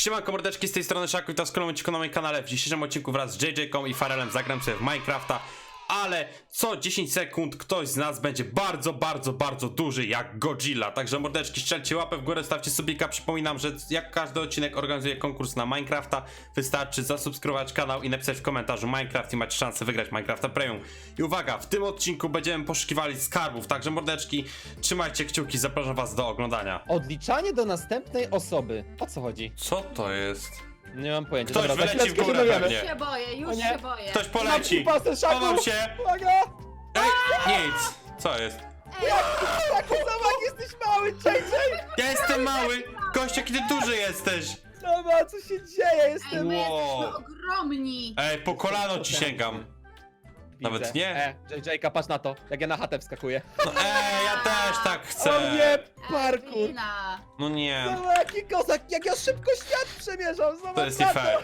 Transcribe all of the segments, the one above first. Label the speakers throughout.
Speaker 1: Siemanko mordeczki, z tej strony Szaku i to z kolejnym odcinku na moim kanale. W dzisiejszym odcinku wraz z JJ-ką i Farelem zagram sobie w Minecrafta. Ale co 10 sekund ktoś z nas będzie bardzo duży jak Godzilla. Także mordeczki, strzelcie łapę w górę, stawcie subika. Przypominam, że jak każdy odcinek organizuję konkurs na Minecrafta. Wystarczy zasubskrybować kanał i napisać w komentarzu Minecraft i macie szansę wygrać Minecrafta Premium. I uwaga, w tym odcinku będziemy poszukiwali skarbów. Także mordeczki, trzymajcie kciuki, zapraszam was do oglądania.
Speaker 2: Odliczanie do następnej osoby. O co chodzi?
Speaker 1: Co to jest?
Speaker 2: Nie mam pojęcia.
Speaker 1: Ktoś
Speaker 2: Dobra, za
Speaker 1: wyleci w
Speaker 2: chwileczkę
Speaker 1: górę
Speaker 2: się dowiemy.
Speaker 1: pewnie.
Speaker 3: Już się boję,
Speaker 2: O
Speaker 3: już
Speaker 2: nie.
Speaker 3: się boję.
Speaker 1: Ktoś poleci!
Speaker 2: Mam Szaku!
Speaker 1: Chowam się!
Speaker 2: Uwaga!
Speaker 1: Ej, nic! Co jest?
Speaker 2: Szaku, zobacz, jesteś mały, JJ!
Speaker 1: Ja jestem mały! Gość, jaki ty duży jesteś!
Speaker 2: Zobacz, co się dzieje,
Speaker 3: Ej,
Speaker 2: jestem...
Speaker 3: my
Speaker 1: Wow.
Speaker 3: jesteśmy ogromni.
Speaker 1: Ej, po kolano ci sięgam. Nawet
Speaker 2: Widzę.
Speaker 1: nie.
Speaker 2: JJ-ka, patrz na to, jak ja na chatę wskakuję.
Speaker 1: No ej, ja też tak
Speaker 2: O
Speaker 1: chcę!
Speaker 2: nie, parkour!
Speaker 3: Ewelina.
Speaker 1: No nie,
Speaker 2: Zobacz, jaki kozak, jak ja szybko świat przemierzam, zobacz
Speaker 1: to jest
Speaker 2: na
Speaker 1: nie fair.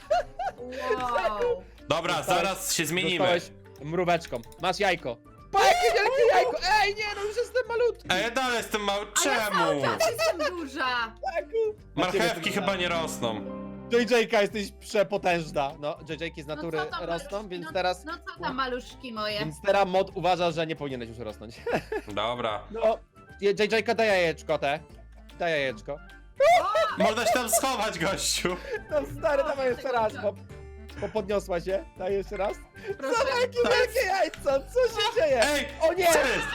Speaker 3: Wow.
Speaker 1: Dobra,
Speaker 2: Dostałeś-
Speaker 1: zaraz się zmienimy.
Speaker 2: Dostałeś mróweczką, masz jajko. Pa, jakie wielkie jajko! Ej, nie, no już jestem malutki!
Speaker 1: Ej, ja dalej jestem mały.
Speaker 3: A ja cały
Speaker 1: Czemu?
Speaker 3: czas jestem duża.
Speaker 2: Szaku!
Speaker 1: Marchewki chyba nie rosną.
Speaker 2: JJ-ka, jesteś przepotężna. No, JJ-ki z natury
Speaker 3: co tam,
Speaker 2: rosną,
Speaker 3: maluszki?
Speaker 2: więc
Speaker 3: No-
Speaker 2: teraz...
Speaker 3: No co tam maluszki moje?
Speaker 2: Więc teraz mod uważa, że nie powinieneś już rosnąć.
Speaker 1: Dobra.
Speaker 2: No, JJ-ka, daj jajeczko te. Daj jajeczko.
Speaker 1: Można się tam schować, gościu.
Speaker 2: No stary, dawaj jeszcze raz, bo podniosła się. Daj jeszcze raz.
Speaker 3: Proszę.
Speaker 2: Zobacz, jakie wielkie jajco, co się dzieje?
Speaker 1: Ej,
Speaker 2: O nie!
Speaker 1: co jest?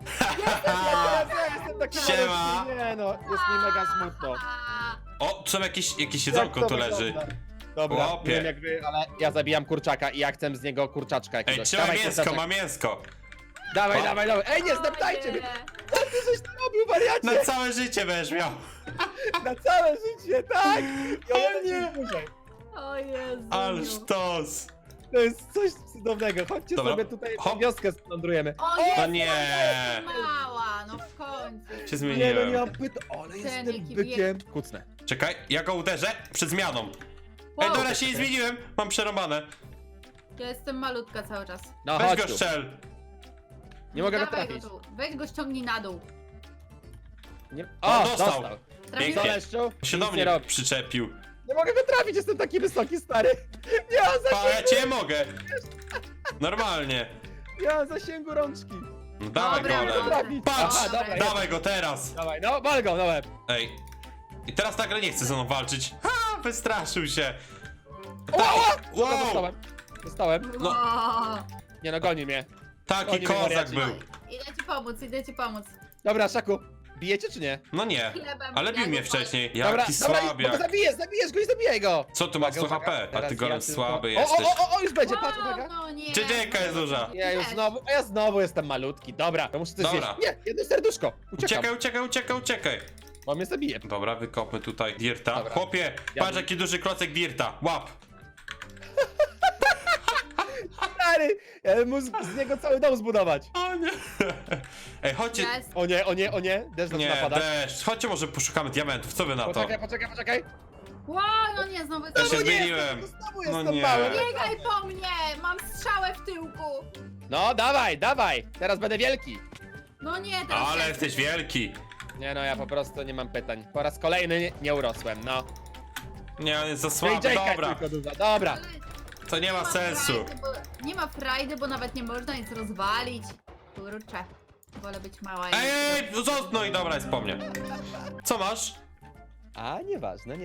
Speaker 2: Ja jestem taki
Speaker 1: Siema.
Speaker 2: malutki. Nie no, jest mi mega smutno.
Speaker 3: A,
Speaker 1: O, tu są jakieś
Speaker 2: Jak
Speaker 1: jedzonko
Speaker 2: to
Speaker 1: tu leży.
Speaker 2: wygląda? Dobra,
Speaker 1: Chłopie.
Speaker 2: nie wiem jak wy, ale ja zabijam kurczaka i ja chcę z niego kurczaczka
Speaker 1: Ej,
Speaker 2: jakiegoś.
Speaker 1: trzymaj
Speaker 2: Dawaj,
Speaker 1: mięsko,
Speaker 2: kurczaczek.
Speaker 1: mam mięsko.
Speaker 2: Dawaj,
Speaker 1: O.
Speaker 2: dawaj, dawaj. Ej, nie zdeptajcie mnie! Co ty żeś tam robił, wariacie?
Speaker 1: Na całe życie będziesz miał.
Speaker 2: Na całe życie, tak! I
Speaker 1: O
Speaker 2: ona
Speaker 1: nie.
Speaker 2: nie dłużej.
Speaker 3: O Jezu.
Speaker 1: Ale sztos.
Speaker 2: To jest coś cudownego. Chodźcie
Speaker 1: Dobra.
Speaker 2: sobie tutaj
Speaker 1: Hop.
Speaker 2: wioskę splądrujemy.
Speaker 3: O Jezu,
Speaker 1: No nie.
Speaker 3: mała, no w końcu.
Speaker 1: Się
Speaker 2: Nie, no
Speaker 1: zmieniłem.
Speaker 2: nie mam pytań, ale
Speaker 3: Ten
Speaker 2: jestem
Speaker 3: jaki
Speaker 2: bykiem. Kucnę.
Speaker 1: Czekaj, ja go uderzę przed zmianą. Ej,
Speaker 3: Wow.
Speaker 1: dobra, się nie zmieniłem. Mam przerąbane.
Speaker 3: Ja jestem malutka cały czas.
Speaker 2: No
Speaker 1: Weź
Speaker 2: chodź
Speaker 1: go
Speaker 2: tu.
Speaker 1: strzel.
Speaker 2: Nie mogę go
Speaker 3: Dawaj
Speaker 2: trafić.
Speaker 3: tu. Weź go ściągnij na dół.
Speaker 2: Nie...
Speaker 1: O,
Speaker 2: O,
Speaker 1: dostał.
Speaker 2: dostał.
Speaker 1: Pięknie.
Speaker 3: Trafiłeś?
Speaker 2: Zaleszczu,
Speaker 1: Się
Speaker 2: nic
Speaker 1: do
Speaker 2: nie
Speaker 1: mnie
Speaker 2: robi.
Speaker 1: przyczepił.
Speaker 2: Nie mogę go trafić, jestem taki wysoki, stary. Nie mam
Speaker 1: Pa, ja
Speaker 2: zasięgu,
Speaker 1: cię mogę. Normalnie.
Speaker 2: nie mam zasięgu rączki.
Speaker 1: No, dawaj
Speaker 3: Dobra,
Speaker 1: golem.
Speaker 3: dobra.
Speaker 1: Patrz!
Speaker 2: Aha, dobra,
Speaker 1: Dawaj go teraz.
Speaker 2: Dawaj, no, wal go, no łeb.
Speaker 1: Ej. I teraz nagle nie chce ze mną walczyć. Ha, wystraszył się.
Speaker 2: Wow!
Speaker 1: Wow.
Speaker 2: Dostałem. Dostałem.
Speaker 1: No.
Speaker 3: Wow.
Speaker 2: Nie no, goni mnie.
Speaker 1: Taki
Speaker 2: Oni
Speaker 1: kozak
Speaker 2: wariaci.
Speaker 1: był.
Speaker 3: Idę ci pomóc, idę ci pomóc.
Speaker 2: Dobra, Szaku, bijecie czy nie?
Speaker 1: No nie.
Speaker 3: Chlebem
Speaker 1: Ale bił
Speaker 3: ja
Speaker 1: mnie
Speaker 3: go
Speaker 1: wcześniej.
Speaker 2: Dobra,
Speaker 1: Jaki
Speaker 2: dobra, bo go
Speaker 1: słabiak.
Speaker 2: zabijesz go i zabijaj go.
Speaker 1: Co tu masz 100
Speaker 2: Uwaga,
Speaker 1: HP? A
Speaker 2: teraz
Speaker 1: ty golem
Speaker 2: ja tylko-
Speaker 1: słaby
Speaker 2: O,
Speaker 1: jesteś.
Speaker 2: o, już będzie, patrz,
Speaker 3: Wow,
Speaker 2: uwaga.
Speaker 3: no nie.
Speaker 1: Dziecięka jest duża.
Speaker 2: Ja znowu jestem malutki. Dobra, to muszę coś
Speaker 1: Dobra.
Speaker 2: zjeść. Nie, jedno serduszko. Uciekam,
Speaker 1: Uciekaj.
Speaker 2: bo mnie zabije.
Speaker 1: Dobra, wykopmy tutaj dirta.
Speaker 2: Dobra.
Speaker 1: Chłopie,
Speaker 2: Ja
Speaker 1: patrz
Speaker 2: bym-
Speaker 1: jaki duży klocek dirta. Łap.
Speaker 2: Stary, ja bym mógł z niego cały dom zbudować.
Speaker 1: O nie. Ej, chodźcie.
Speaker 3: Jest.
Speaker 2: O nie, deszcz zaczyna
Speaker 1: Nie,
Speaker 2: padać.
Speaker 1: deszcz. Chodźcie może poszukamy diamentów. Co wy na to?
Speaker 2: Poczekaj.
Speaker 3: Wow, no nie, znowu
Speaker 1: Ja się
Speaker 2: No nie,
Speaker 1: zmieniłem.
Speaker 2: Znowu
Speaker 1: No
Speaker 2: jestem
Speaker 1: nie.
Speaker 2: mały.
Speaker 3: Biegaj po mnie! Mam strzałę w tyłku!
Speaker 2: No, dawaj, teraz będę wielki.
Speaker 3: No nie, teraz
Speaker 1: Ale
Speaker 3: ja.
Speaker 1: jesteś wielki.
Speaker 2: Nie no, ja po prostu nie mam pytań. Po raz kolejny nie urosłem, no.
Speaker 1: Nie, on jest za słaby.
Speaker 2: JJ-ka jest
Speaker 1: Dobra,
Speaker 2: tylko duża. Dobra.
Speaker 3: Ale
Speaker 1: to nie ma sensu.
Speaker 3: nie ma frajdy, bo nawet nie można nic rozwalić. Kurczę. Wolę być mała i...
Speaker 1: Ej, no i dobra, jest po mnie. Co masz?
Speaker 2: A, nieważne.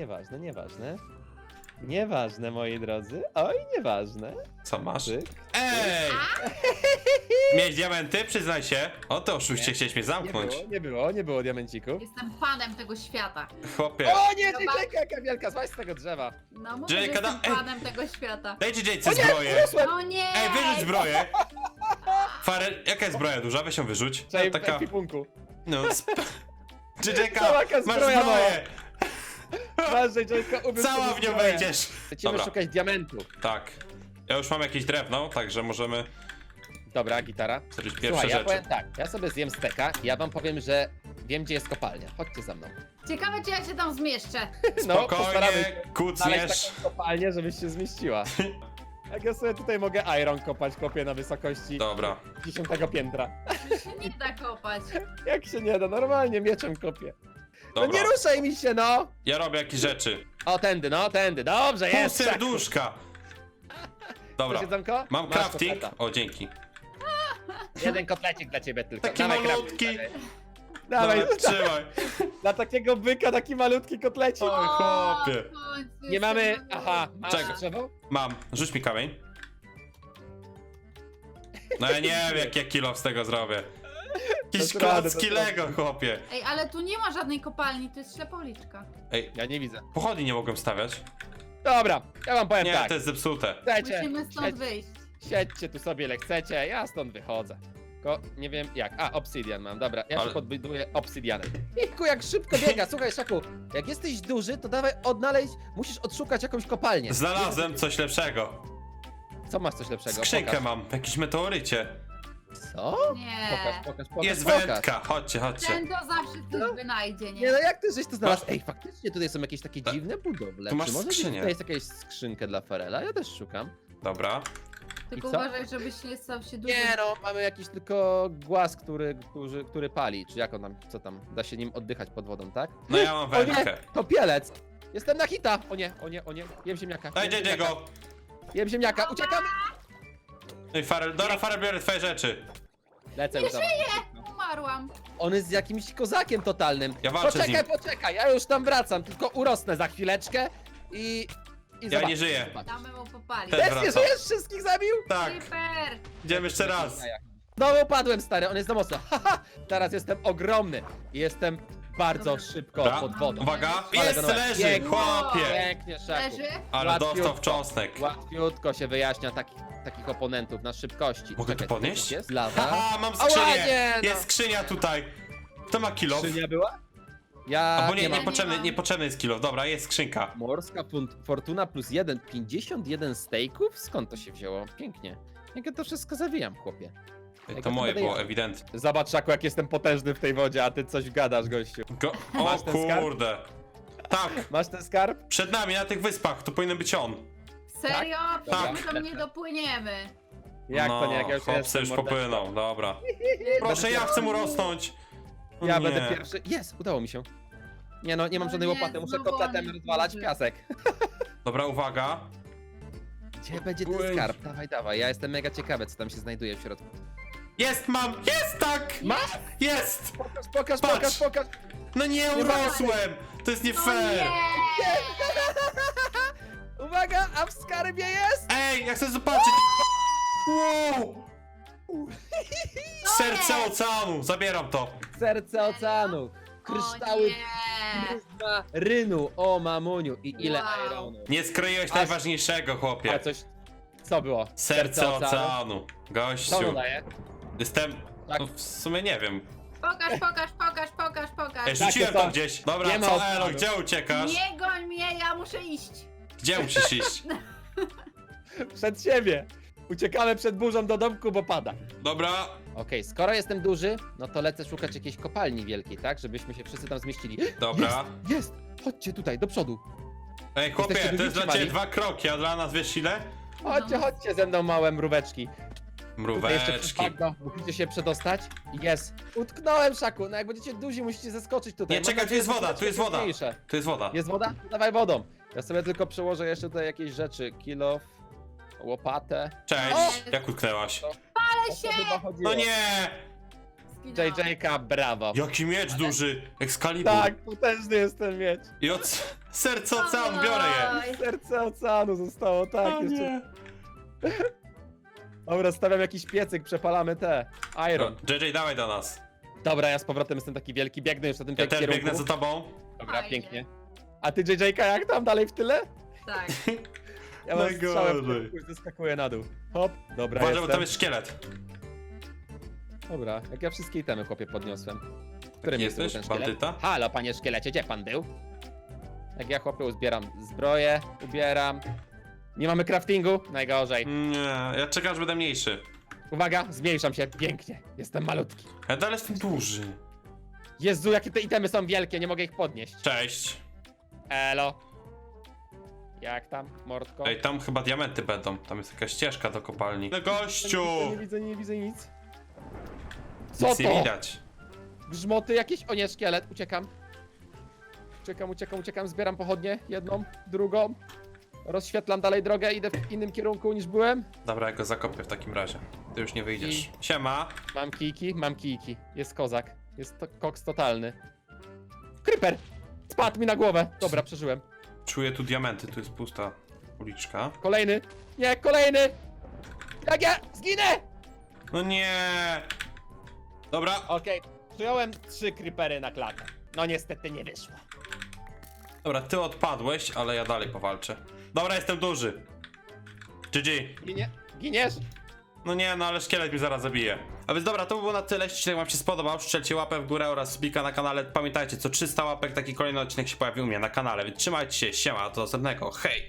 Speaker 2: Nieważne, moi drodzy. Oj, nieważne.
Speaker 1: Co masz?
Speaker 2: Cyk.
Speaker 1: Ej! Miałeś diamenty? Przyznaj się. O, to oszuście, chciałeś mnie zamknąć.
Speaker 2: Nie było diamencików.
Speaker 3: Jestem panem tego świata.
Speaker 1: Chłopie.
Speaker 2: O nie,
Speaker 3: Zobacz.
Speaker 2: JJ-ka, jaka wielka, złaź z tego drzewa.
Speaker 3: No mówię,
Speaker 1: Czyli
Speaker 3: że
Speaker 1: kada-
Speaker 3: jestem
Speaker 1: Ej.
Speaker 3: panem tego świata.
Speaker 1: Daj JJ
Speaker 2: O nie,
Speaker 1: zbroję.
Speaker 2: urosłem.
Speaker 3: No nie!
Speaker 1: Ej, wyrzuć zbroję. Farel, jaka jest zbroja duża? Weź ją wyrzuć.
Speaker 2: Cześć,
Speaker 1: No,
Speaker 2: w
Speaker 1: taka.
Speaker 2: ekwipunku.
Speaker 1: No. JJ-ka,
Speaker 2: Cała jaka
Speaker 1: masz
Speaker 2: zbroja
Speaker 1: zbroję.
Speaker 2: Masz, JJ-ka, ubierz
Speaker 1: Cała
Speaker 2: sobie
Speaker 1: w nią
Speaker 2: zbroję.
Speaker 1: wejdziesz.
Speaker 2: Lecimy
Speaker 1: Dobra.
Speaker 2: szukać diamentu.
Speaker 1: Tak. Ja już mam jakieś drewno, także możemy
Speaker 2: Dobra, gitara.
Speaker 1: zrobić pierwsze
Speaker 2: Słuchaj, ja
Speaker 1: rzeczy.
Speaker 2: powiem tak, ja sobie zjem steka i ja wam powiem, że wiem, gdzie jest kopalnia. Chodźcie za mną.
Speaker 3: Ciekawe, czy ja się tam zmieszczę.
Speaker 2: postaramy się
Speaker 1: Spokojnie,
Speaker 2: znaleźć
Speaker 1: kucniesz.
Speaker 2: taką kopalnię, żebyś się zmieściła. Jak ja sobie tutaj mogę iron kopać, kopię na wysokości
Speaker 1: Dobra.
Speaker 2: 10 piętra.
Speaker 3: się nie da kopać.
Speaker 2: Jak się nie da, normalnie mieczem kopię. No
Speaker 1: Dobra.
Speaker 2: nie ruszaj mi się, no!
Speaker 1: Ja robię jakieś rzeczy.
Speaker 2: O, tędy, no, tędy. Dobrze,
Speaker 1: Pół
Speaker 2: jest. Szaku.
Speaker 1: serduszka. Dobra,
Speaker 2: Chcesz jedzonko?
Speaker 1: mam
Speaker 2: Masz
Speaker 1: crafting.
Speaker 2: kotleta.
Speaker 1: O, dzięki.
Speaker 2: Jeden kotlecik dla ciebie tylko.
Speaker 1: Taki
Speaker 2: Dawaj,
Speaker 1: malutki.
Speaker 2: crafting, Dawaj,
Speaker 1: Dobra, trzymaj.
Speaker 2: dla takiego byka taki malutki kotlecik.
Speaker 1: Oj, chłopie.
Speaker 3: w końcu
Speaker 2: Nie mamy...
Speaker 3: jestem
Speaker 2: Aha, masz
Speaker 1: Czego?
Speaker 2: drzewo?
Speaker 1: Mam, rzuć mi kamień. No ja nie wiem, jak ja kilo z tego zrobię. Jakiś
Speaker 2: To radę,
Speaker 1: klocki
Speaker 2: to
Speaker 1: Lego, chłopie.
Speaker 3: Ej, ale tu nie ma żadnej kopalni, to jest ślepa uliczka.
Speaker 1: Ej,
Speaker 2: Ja nie widzę.
Speaker 1: pochodni nie mogłem stawiać.
Speaker 2: Dobra, ja wam powiem
Speaker 1: Nie,
Speaker 2: tak.
Speaker 1: to jest zepsute.
Speaker 2: Chcecie,
Speaker 3: Musimy stąd wyjść.
Speaker 2: siedźcie tu sobie ile chcecie, ja stąd wychodzę. Tylko nie wiem jak. A, obsydian mam, dobra. Ja
Speaker 1: Ale-
Speaker 2: się podbuduję obsydianem. Jejku, jak szybko biega. Słuchaj, Szaku, jak jesteś duży, to dawaj odnaleźć, musisz odszukać jakąś kopalnię.
Speaker 1: Znalazłem coś lepszego.
Speaker 2: Co masz coś lepszego?
Speaker 1: Skrzynkę
Speaker 2: Pokaż.
Speaker 1: mam w jakimś meteorycie.
Speaker 2: Co?
Speaker 3: Nie.
Speaker 2: Pokaż.
Speaker 1: Jest
Speaker 2: pokaż.
Speaker 1: wędka, chodźcie, chodźcie.
Speaker 3: Ten to zawsze coś wynajdzie,
Speaker 2: Nie
Speaker 3: nie?
Speaker 2: no, jak ty żeś to znalazł? Ej, faktycznie tutaj są jakieś takie dziwne budowle.
Speaker 1: Tu masz
Speaker 2: Czy może
Speaker 1: skrzynię.
Speaker 2: tutaj jest jakaś skrzynkę dla Farela? Ja też szukam.
Speaker 1: Dobra.
Speaker 3: Tylko
Speaker 2: I co?
Speaker 3: uważaj, żebyś nie stał się duży.
Speaker 2: Nie no, mamy jakiś tylko głaz, który pali. Czy jak on tam, co tam? Da się nim oddychać pod wodą, tak?
Speaker 1: No ja mam
Speaker 2: O nie,
Speaker 1: wędkę.
Speaker 2: to pielec! Jestem na hita! O nie. Jem ziemniaka.
Speaker 1: Daj,
Speaker 2: jem
Speaker 1: JJ
Speaker 2: ziemniaka.
Speaker 1: go.
Speaker 2: Jem ziemniaka, uciekam!
Speaker 1: No i Farel, dobra, Farel, biorę twoje rzeczy.
Speaker 2: Lecę już tam.
Speaker 3: Umarłam.
Speaker 2: On jest z jakimś kozakiem totalnym.
Speaker 1: Ja walczę z nim.
Speaker 2: Poczekaj, ja już tam wracam, tylko urosnę za chwileczkę i
Speaker 1: Ja
Speaker 2: zobacz.
Speaker 1: nie żyję.
Speaker 2: Zobacz.
Speaker 3: Damy mu popalić.
Speaker 1: Też
Speaker 2: Też nie
Speaker 1: wracam.
Speaker 2: żyjesz? Wszystkich zabił?
Speaker 1: Tak,
Speaker 3: Super.
Speaker 1: idziemy jeszcze raz.
Speaker 2: Znowu padłem, stary, on jest za mocno. Haha, teraz jestem ogromny i jestem bardzo
Speaker 3: Dobra.
Speaker 2: szybko
Speaker 1: Dobra.
Speaker 2: pod wodą.
Speaker 1: Uwaga,
Speaker 2: Ale
Speaker 1: jest,
Speaker 2: go na-
Speaker 1: leży,
Speaker 2: Pięknie.
Speaker 1: chłopie.
Speaker 2: Pięknie, Szaku.
Speaker 3: Leży?
Speaker 1: Ale
Speaker 2: Łatwiutko.
Speaker 1: dostał w cząstek.
Speaker 2: Łatwiutko się wyjaśnia takich oponentów na szybkości.
Speaker 1: Mogę to podnieść?
Speaker 2: tutaj Jest lawa.
Speaker 1: Haha, mam
Speaker 2: Ała,
Speaker 1: skrzynię.
Speaker 2: nie, no.
Speaker 1: Jest skrzynia tutaj. Kto ma kilo?
Speaker 2: Skrzynia była? Ja
Speaker 1: Albo nie,
Speaker 2: nie mam.
Speaker 3: mam.
Speaker 1: niepotrzebny jest kilo. Dobra, jest skrzynka.
Speaker 2: Morska fortuna plus 1, 51 stejków? Skąd to się wzięło? Pięknie. Jak ja to wszystko zawijam, chłopie.
Speaker 1: Ej,
Speaker 2: Jak
Speaker 1: to
Speaker 2: ja
Speaker 1: moje
Speaker 2: będę
Speaker 1: było,
Speaker 2: jadł.
Speaker 1: ewidentnie.
Speaker 2: Zobacz, Szaku, jak jestem potężny w tej wodzie, a ty coś gadasz, gościu.
Speaker 1: O
Speaker 2: Masz ten skarb?
Speaker 1: kurde. Tak,
Speaker 2: Masz ten skarb?
Speaker 1: przed nami na tych wyspach, tu powinien być on.
Speaker 3: Serio?
Speaker 2: Tak.
Speaker 3: Przecież my tam nie dopłyniemy.
Speaker 2: Jak
Speaker 1: no,
Speaker 2: to nie, jak ja już
Speaker 1: chłopcy
Speaker 2: jestem
Speaker 1: już
Speaker 2: mordeczką.
Speaker 1: popłynął, dobra. Proszę, ja chcę mu rosnąć. O
Speaker 2: Ja
Speaker 1: nie.
Speaker 2: będę pierwszy. Jest, udało mi się. Nie no, nie mam
Speaker 3: O
Speaker 2: żadnej
Speaker 3: nie,
Speaker 2: łopaty, muszę
Speaker 3: znowu
Speaker 2: kotletem
Speaker 3: on
Speaker 2: rozwalać
Speaker 3: duży.
Speaker 2: piasek.
Speaker 1: Dobra, uwaga.
Speaker 2: Gdzie będzie ten
Speaker 1: Płyń.
Speaker 2: skarb? Dawaj, ja jestem mega ciekawy, co tam się znajduje w środku.
Speaker 1: Jest, mam! Jest, tak!
Speaker 2: Masz?
Speaker 1: Jest!
Speaker 2: Pokaż.
Speaker 1: Patrz. No nie
Speaker 2: Nie
Speaker 1: urosłem! To jest nie
Speaker 3: No
Speaker 1: fair!
Speaker 3: nie!
Speaker 2: Uwaga, a w skarbie jest?
Speaker 1: Ej, ja chcę zobaczyć! Wow! Serce
Speaker 3: jest?
Speaker 1: oceanu! Zabieram to!
Speaker 2: Serce oceanu,
Speaker 3: O
Speaker 2: kryształy
Speaker 3: nie!
Speaker 2: pryzma rynu, o mamuniu i ile
Speaker 3: Wow.
Speaker 2: ironu.
Speaker 1: Nie skroiłeś
Speaker 2: A-
Speaker 1: najważniejszego,
Speaker 2: A
Speaker 1: chłopie.
Speaker 2: coś, co było?
Speaker 1: Serce oceanu.
Speaker 2: Co
Speaker 1: Gościu.
Speaker 2: ono daje?
Speaker 1: Jestem...
Speaker 2: Tak.
Speaker 1: No w sumie nie wiem.
Speaker 3: Pokaż.
Speaker 1: Ej, rzuciłem
Speaker 2: Takie
Speaker 1: to
Speaker 2: są.
Speaker 1: gdzieś. Dobra,
Speaker 2: Nie ma
Speaker 1: co
Speaker 2: oceanu.
Speaker 1: Elo, gdzie uciekasz?
Speaker 3: Nie goń mnie, ja muszę iść.
Speaker 1: Gdzie musisz iść?
Speaker 2: Przed siebie. Uciekamy przed burzą do domku, bo pada.
Speaker 1: Dobra.
Speaker 2: Okej, skoro jestem duży, no to lecę szukać jakiejś kopalni wielkiej, tak? Żebyśmy się wszyscy tam zmieścili.
Speaker 1: Dobra.
Speaker 2: Jest! Chodźcie tutaj, do przodu.
Speaker 1: Ej, chłopie,
Speaker 2: Jesteście
Speaker 1: to jest
Speaker 2: duzi,
Speaker 1: dla ciebie
Speaker 2: mali?
Speaker 1: 2 kroki, a dla nas wiesz ile?
Speaker 2: Chodźcie ze mną, małe mróweczki. Tutaj jeszcze przez
Speaker 1: Mróweczki.
Speaker 2: bagno musicie się przedostać. Jest. Utknąłem, Szaku. No jak będziecie duzi, musicie zeskoczyć tutaj.
Speaker 1: Nie,
Speaker 2: Mam
Speaker 1: czekaj, tu
Speaker 2: nadzieję,
Speaker 1: jest
Speaker 2: że
Speaker 1: woda,
Speaker 2: będziecie
Speaker 1: tu jest woda.
Speaker 2: trudniejsze.
Speaker 1: Tu jest woda.
Speaker 2: Jest woda? Dawaj wodą. Ja sobie tylko przełożę jeszcze tutaj jakieś rzeczy. Kilof, łopatę.
Speaker 1: Cześć,
Speaker 2: O!
Speaker 1: jak utknęłaś?
Speaker 2: O co chyba chodziło?
Speaker 1: No nie!
Speaker 3: Zginęłam.
Speaker 2: JJ-ka, brawo.
Speaker 1: Jaki miecz duży! Excalibur.
Speaker 2: Tak, potężny jest ten miecz.
Speaker 1: I od serca oceanu biorę je.
Speaker 3: Oj.
Speaker 2: Serce oceanu zostało, tak.
Speaker 1: O
Speaker 2: jeszcze...
Speaker 1: nie.
Speaker 2: Dobra, stawiam jakiś piecyk, przepalamy te. Iron.
Speaker 1: JJ, dawaj do nas.
Speaker 2: Dobra, ja z powrotem jestem taki wielki, biegnę już na tym
Speaker 1: Ja też
Speaker 2: kierunku.
Speaker 1: biegnę za tobą.
Speaker 2: Dobra,
Speaker 3: Fajnie.
Speaker 2: pięknie. A ty JJ-ka jak tam dalej w tyle?
Speaker 3: Tak.
Speaker 2: Ja mam
Speaker 1: Najgorzej.
Speaker 2: strzałem w kierunku i zeskakuję na dół. Hop, dobra,
Speaker 1: Uważaj, bo
Speaker 2: jestem.
Speaker 1: tam jest szkielet.
Speaker 2: Dobra, jak ja wszystkie itemy, chłopie, podniosłem. W którym miejscu był
Speaker 1: Jesteś?
Speaker 2: ten szkielet?
Speaker 1: Bandyta?
Speaker 2: Halo, panie szkielecie, gdzie pan był? Jak ja, chłopie, uzbieram zbroję, ubieram. Nie mamy craftingu? Najgorzej.
Speaker 1: Nie, ja czekam, aż będę mniejszy.
Speaker 2: Uwaga, zmniejszam się, pięknie. Jestem malutki.
Speaker 1: Ja dalej jestem duży.
Speaker 2: Jezu, jakie te itemy są wielkie, nie mogę ich podnieść.
Speaker 1: Cześć.
Speaker 2: Elo. Jak tam, mordko?
Speaker 1: Ej, tam chyba diamenty będą. Tam jest jakaś ścieżka do kopalni. No gościu!
Speaker 2: Nie widzę nic. Co
Speaker 1: Nic nie
Speaker 2: to?
Speaker 1: widać.
Speaker 2: Grzmoty jakieś? O nie, szkielet, uciekam. Uciekam, zbieram pochodnie, jedną, drugą. Rozświetlam dalej drogę, idę w innym kierunku niż byłem.
Speaker 1: Dobra, ja go zakopię w takim razie. Ty już nie wyjdziesz.
Speaker 2: I-
Speaker 1: Siema.
Speaker 2: Mam kijki. Jest kozak. Jest to koks totalny. Creeper! Spadł mi na głowę. Dobra, przeżyłem.
Speaker 1: Czuję tu diamenty, tu jest pusta uliczka.
Speaker 2: Kolejny. Nie, kolejny! Jak ja zginę!
Speaker 1: No nie! Dobra,
Speaker 2: Okej, przyjąłem 3 creepery na klakę. No niestety nie wyszło.
Speaker 1: dobra, ty odpadłeś, ale ja dalej powalczę. Dobra, jestem duży. GG.
Speaker 2: Giniesz?
Speaker 1: No nie, no ale szkielet mnie zaraz zabije. A więc dobra, to by było na tyle. Jeśli odcinek wam się spodobał, strzelcie łapę w górę oraz subika na kanale. Pamiętajcie, co 300 łapek taki kolejny odcinek się pojawi u mnie na kanale. Więc trzymajcie się, siema, do następnego, hej!